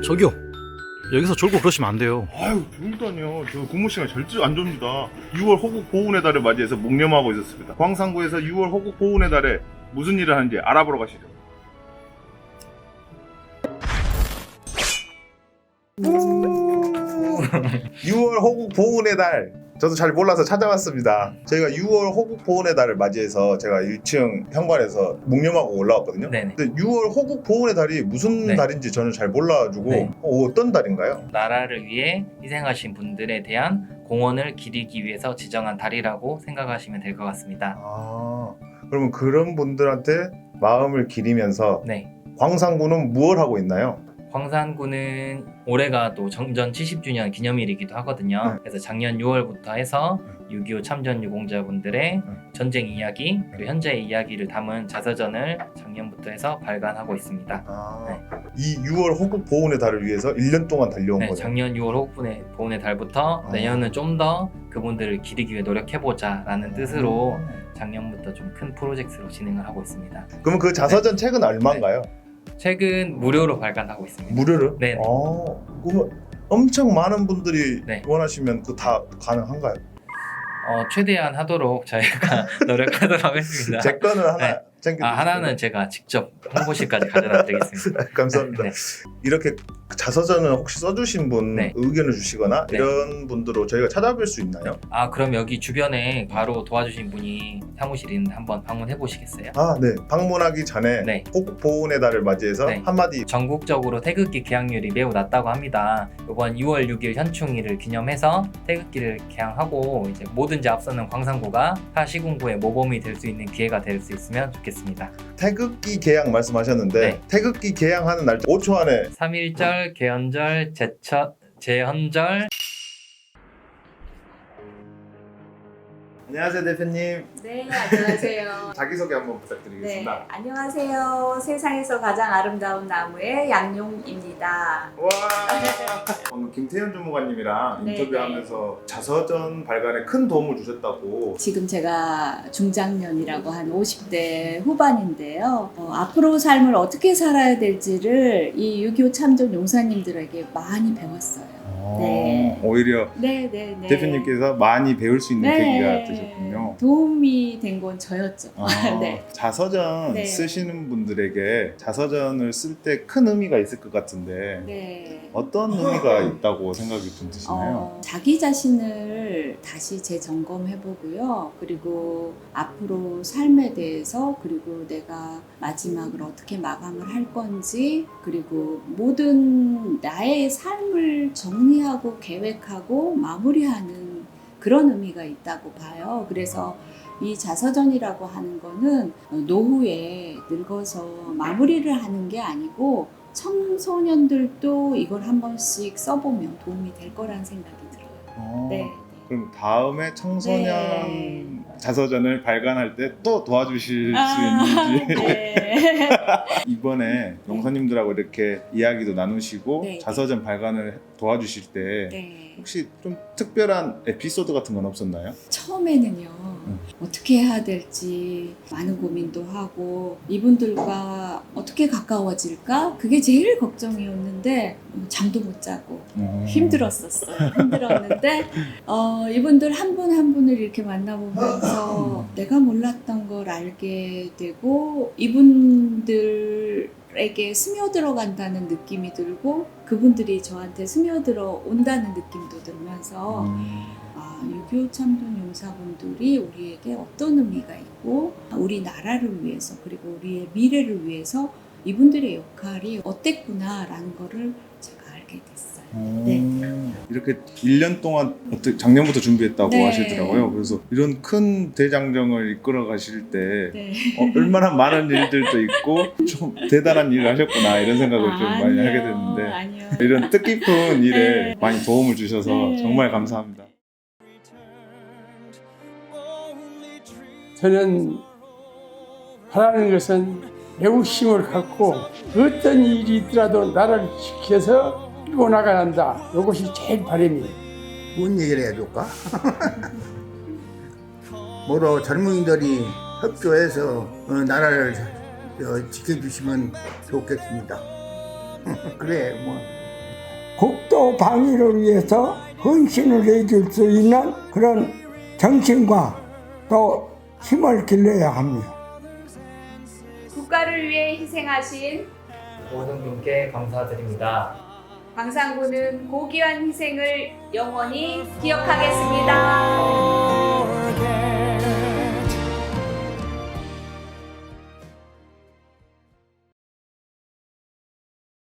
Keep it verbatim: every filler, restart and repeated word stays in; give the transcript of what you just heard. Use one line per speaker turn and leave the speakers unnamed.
저기요, 여기서 졸고 그러시면 안 돼요.
아유, 졸다니요. 저 근무 시간 절대 안 줍니다. 유월 호국 보훈의 달을 맞이해서 묵념하고 있었습니다. 광산구에서 유월 호국 보훈의 달에 무슨 일을 하는지 알아보러 가시죠. 유월 호국 보훈의 달. 저도 잘 몰라서 찾아왔습니다. 저희가 유월 호국 보훈의 달을 맞이해서 제가 일 층 현관에서 묵념하고 올라왔거든요.
네네.
근데 유월 호국 보훈의 달이 무슨
네.
달인지 저는 잘 몰라가지고
네.
어, 어떤 달인가요?
나라를 위해 희생하신 분들에 대한 공헌을 기리기 위해서 지정한 달이라고 생각하시면 될 것 같습니다.
아, 그러면 그런 분들한테 마음을 기리면서
네.
광산구는 무엇을 하고 있나요?
광산구는 올해가 또 정전 칠십 주년 기념일이기도 하거든요.
네.
그래서 작년 유월부터 해서 육이오 참전 유공자분들의
네.
전쟁 이야기, 그리고 현재의 이야기를 담은 자서전을 작년부터 해서 발간하고 있습니다.
아,
네.
이 유월 호국 보훈의 달을 위해서 일 년 동안 달려온
네,
거죠.
작년 유월 호국분의 보훈의 달부터
아.
내년은 좀 더 그분들을 기리기 위해 노력해보자 라는 뜻으로 작년부터 좀 큰 프로젝트로 진행을 하고 있습니다.
그러면 그 자서전 책은 얼마인가요?
책은 무료로 발간하고 있습니다.
무료로?
네.
아, 그러면 엄청 많은 분들이
네.
원하시면 그 다 가능한가요?
어, 최대한 하도록 저희가 노력하도록 하겠습니다.
제 거는 하나
네.
챙겨.
아, 하나는 제가 직접 홍보실까지 가져다 드리겠습니다.
감사합니다.
네.
이렇게 자서전을 혹시 써주신 분
네.
의견을 주시거나
네.
이런 분들로 저희가 찾아뵐 수 있나요?
아, 그럼 여기 주변에 바로 도와주신 분이 사무실에 있는데 한번 방문해 보시겠어요?
아, 네. 방문하기 전에
네.
호국 보훈의 달을 맞이해서
네.
한마디.
전국적으로 태극기 개항률이 매우 낮다고 합니다. 이번 유월 육일 현충일을 기념해서 태극기를 개항하고 이제 뭐든지 앞서는 광산구가 타 시군구의 모범이 될 수 있는 기회가 될 수 있으면 좋겠습니다.
태극기 개항 말씀하셨는데
네.
태극기 개항하는 날짜 오 초 안에
삼일절, 개헌절, 제처, 제헌절.
안녕하세요 대표님.
네, 안녕하세요.
자기소개 한번
네,
부탁드리겠습니다.
안녕하세요. 세상에서 가장 아름다운 나무의 양용입니다.
와. 방금 김태현 주무관님이랑
네,
인터뷰하면서 자서전 발간에 큰 도움을 주셨다고.
지금 제가 중장년이라고 한 오십 대 후반인데요. 어, 앞으로 삶을 어떻게 살아야 될지를 이 육이오 참전 용사님들에게 많이 배웠어요. 네.
오히려
네, 네, 네.
대표님께서 많이 배울 수 있는
네.
계기가 되셨군요.
도움이 된 건 저였죠.
아,
네.
자서전
네.
쓰시는 분들에게 자서전을 쓸 때 큰 의미가 있을 것 같은데
네.
어떤 의미가 있다고 생각이 좀 드시나요?
어, 자기 자신을 다시 재점검해보고요. 그리고 앞으로 삶에 대해서, 그리고 내가 마지막으로 어떻게 마감을 할 건지, 그리고 모든 나의 삶을 정리하고 계획하고 마무리하는 그런 의미가 있다고 봐요. 그래서 이 자서전이라고 하는 거는 노후에 늙어서 마무리를 하는 게 아니고 청소년들도 이걸 한 번씩 써보면 도움이 될 거란 생각이 들어요.
어,
네.
그럼 다음에 청소년
네.
자서전을 발간할 때 또 도와주실
아,
수 있는지
네.
이번에 용사님들하고 이렇게 이야기도 나누시고
네.
자서전 발간을 도와주실 때
네.
혹시 좀 특별한 에피소드 같은 건 없었나요?
처음에는요,
음.
어떻게 해야 될지 많은 고민도 하고, 이분들과 어떻게 가까워질까? 그게 제일 걱정이었는데, 잠도 못 자고,
음.
힘들었었어요. 힘들었는데, 어, 이분들 한 분 한 분을 이렇게 만나보면서 내가 몰랐던 걸 알게 되고, 이분들에게 스며들어 간다는 느낌이 들고, 그분들이 저한테 스며들어 온다는 느낌도 들면서,
음.
아, 육이오 참전 용사분들이 우리에게 어떤 의미가 있고, 우리 나라를 위해서, 그리고 우리의 미래를 위해서 이분들의 역할이 어땠구나라는 거를 제가 알게 됐어요. 네.
이렇게 일 년 동안 어떻게 작년부터 준비했다고
네.
하시더라고요. 그래서 이런 큰 대장정을 이끌어 가실 때
네.
어, 얼마나 많은 일들도 있고 좀 대단한 일을 하셨구나 이런 생각을 좀 많이
아니요,
하게 됐는데
아니요.
이런 뜻깊은 일에
네.
많이 도움을 주셔서
네.
정말 감사합니다.
저는 바라는 것은 매우 힘을 갖고 어떤 일이 있더라도 나를 지켜서 끌고 나가란다. 이것이 제일 바람이에요.
뭔 얘기를 해줄까? 뭐로 젊은이들이 협조해서 어, 나라를 어, 지켜주시면 좋겠습니다. 그래 뭐
국도 방위를 위해서 헌신을 해줄 수 있는 그런 정신과 또 힘을 길러야 합니다.
국가를 위해 희생하신
모든 분께 감사드립니다.
광산군은 고귀한 희생을 영원히 기억하겠습니다.